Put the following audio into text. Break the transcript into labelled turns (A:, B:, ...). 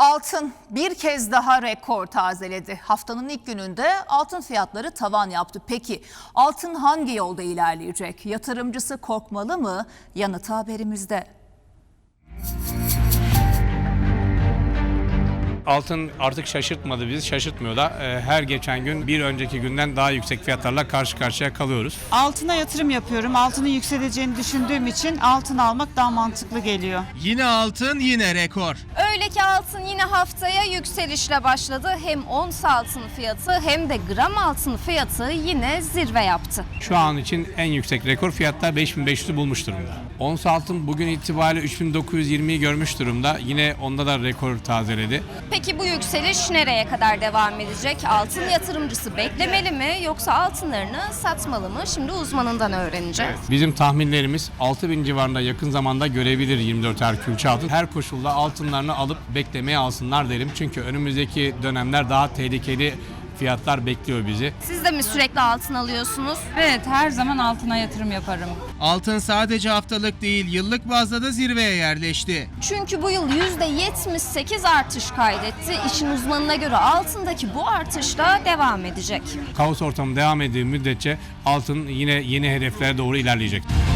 A: Altın bir kez daha rekor tazeledi. Haftanın ilk gününde altın fiyatları tavan yaptı. Peki altın hangi yolda ilerleyecek? Yatırımcısı korkmalı mı? Yanıtı haberimizde.
B: Altın artık şaşırtmadı bizi, şaşırtmıyor da her geçen gün bir önceki günden daha yüksek fiyatlarla karşı karşıya kalıyoruz.
C: Altına yatırım yapıyorum. Altının yükseleceğini düşündüğüm için altın almak daha mantıklı geliyor.
D: Yine altın, yine rekor.
E: Öyle ki altın yine haftaya yükselişle başladı. Hem ons altın fiyatı hem de gram altın fiyatı yine zirve yaptı.
B: Şu an için en yüksek rekor fiyatlar 5500'ü bulmuş durumda. Ons altın bugün itibariyle 3920'yi görmüş durumda. Yine onda da rekor tazeledi.
E: Peki bu yükseliş nereye kadar devam edecek? Altın yatırımcısı beklemeli mi yoksa altınlarını satmalı mı? Şimdi uzmanından öğreneceğiz.
B: Bizim tahminlerimiz 6000 civarında yakın zamanda görebilir 24'er külçe altın. Her koşulda altınlarını alıp beklemeye alsınlar derim. Çünkü önümüzdeki dönemler daha tehlikeli fiyatlar bekliyor bizi.
E: Siz de mi sürekli altın alıyorsunuz?
F: Evet, her zaman altına yatırım yaparım.
D: Altın sadece haftalık değil, yıllık bazda da zirveye yerleşti.
E: Çünkü bu yıl %78 artış kaydetti. İşin uzmanına göre altındaki bu artış da devam edecek.
B: Kaos ortamı devam ettiği müddetçe altın yine yeni hedeflere doğru ilerleyecek.